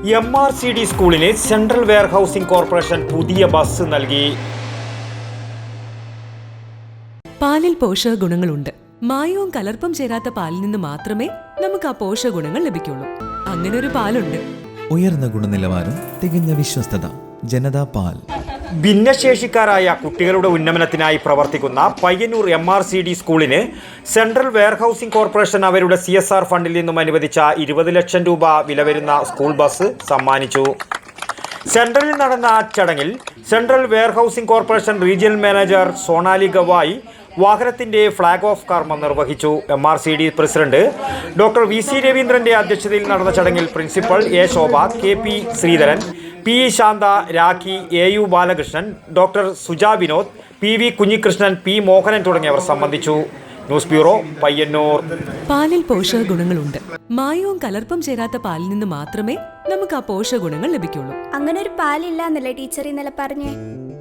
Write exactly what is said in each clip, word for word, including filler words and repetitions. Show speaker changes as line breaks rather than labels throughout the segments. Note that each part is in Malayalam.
എം ആർ സി ഡി സ്കൂളിന് സെൻട്രൽ വെയർഹൌസിംഗ് കോർപ്പറേഷൻ പുതിയ ബസ് നൽകി.
പാലിൽ പോഷക ഗുണങ്ങളുണ്ട്. മായവും കലർപ്പും ചേരാത്ത പാലിൽ നിന്ന് മാത്രമേ നമുക്ക് ആ പോഷക ഗുണങ്ങൾ ലഭിക്കുള്ളൂ. അങ്ങനെ ഒരു പാലുണ്ട്.
ഉയർന്ന ഗുണനിലവാരം, തികഞ്ഞ വിശ്വസ്തത. ജനതാ പാൽ.
ഭിന്നശേഷിക്കാരായ കുട്ടികളുടെ ഉന്നമനത്തിനായി പ്രവർത്തിക്കുന്ന Payyanur M R C D സ്കൂളിന് സെൻട്രൽ വെയർഹൌസിംഗ് കോർപ്പറേഷൻ അവരുടെ സി എസ് ആർ ഫണ്ടിൽ നിന്നും അനുവദിച്ച ഇരുപത് ലക്ഷം രൂപ വില വരുന്ന സ്കൂൾ ബസ് സമ്മാനിച്ചു. സെൻട്രലിൽ നടന്ന ചടങ്ങിൽ central warehousing corporation regional manager Sonali Gavai വാഹനത്തിന്റെ ഫ്ളാഗ് ഓഫ് കർമ്മം നിർവഹിച്ചു. M R C D president doctor V C രവീന്ദ്രന്റെ അധ്യക്ഷതയിൽ നടന്ന ചടങ്ങിൽ principal A Shobha, K P Sreedharan, P E Shantha, Rakhi, A U Balakrishnan, doctor Suja Vinod, P V Kunhikrishnan, P Mohanan തുടങ്ങിയവർ സംബന്ധിച്ചു. News bureau, Payyanur.
പാലിൽ പോഷക ഗുണങ്ങളുണ്ട്. മായവും കലർപ്പും ചേരാത്ത പാലിൽ നിന്ന് മാത്രമേ നമുക്ക് ആ പോഷക ഗുണങ്ങൾ ലഭിക്കുള്ളൂ.
അങ്ങനെ ഒരു പാലില്ല എന്നല്ലേ ടീച്ചർ ഇന്നലെ പറഞ്ഞേ?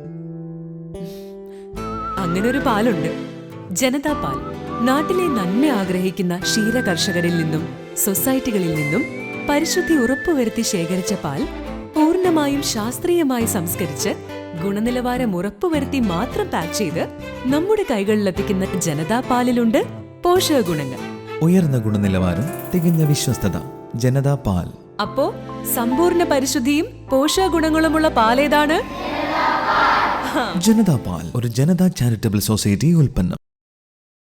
അങ്ങനെ ഒരു പാലുണ്ട്. ജനതാ പാൽ. നാട്ടിലെ നന്മ ആഗ്രഹിക്കുന്ന ക്ഷീര കർഷകരിൽ നിന്നും സൊസൈറ്റികളിൽ നിന്നും പരിശുദ്ധി ഉറപ്പുവരുത്തി ശേഖരിച്ച പാൽ പൂർണ്ണമായും ശാസ്ത്രീയമായി സംസ്കരിച്ച് ഗുണനിലവാരം ഉറപ്പുവരുത്തി മാത്രം പാക്ക് ചെയ്ത് നമ്മുടെ കൈകളിലെത്തിക്കുന്ന ജനതാ പാലിലുണ്ട് പോഷക ഗുണങ്ങൾ.
ഉയർന്ന ഗുണനിലവാരം, തികഞ്ഞ വിശ്വസ്തത. ജനതാ പാൽ.
അപ്പോ സമ്പൂർണ്ണ പരിശുദ്ധിയും പോഷക ഗുണങ്ങളുമുള്ള പാലേതാണ്?
ജനതാ പാൽ ഒരു ജനതാ ചാരിറ്റബിൾ സൊസൈറ്റി ഉൽപ്പന്നം.